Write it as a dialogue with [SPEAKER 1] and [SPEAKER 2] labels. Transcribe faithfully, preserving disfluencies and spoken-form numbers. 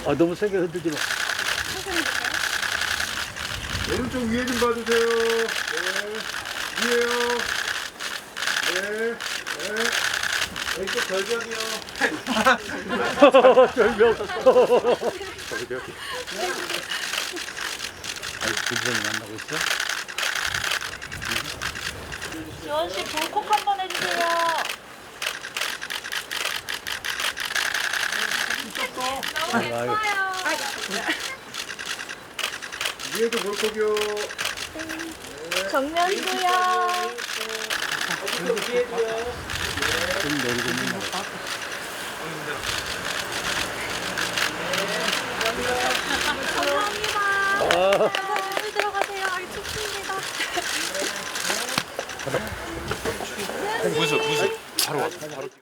[SPEAKER 1] 아, 너무 세게 흔들지 마.
[SPEAKER 2] 오른쪽 위에 좀 봐주세요. 네. 위에요. 네. 네. 왼쪽 절벽이요.
[SPEAKER 1] 절벽. 절벽. 아이, 불편이 만나고 있어?
[SPEAKER 3] 지원 씨 불콕 한번 해주세요. 너무 예뻐요.
[SPEAKER 2] 위에도 볼콕이요.
[SPEAKER 3] 정면도요.
[SPEAKER 1] 좀 내리고 있는 거.
[SPEAKER 3] 감사합니다.
[SPEAKER 1] 아.
[SPEAKER 3] 물 들어가세요. 아이 춥습니다.
[SPEAKER 4] 무슨 무슨 바로 와 바로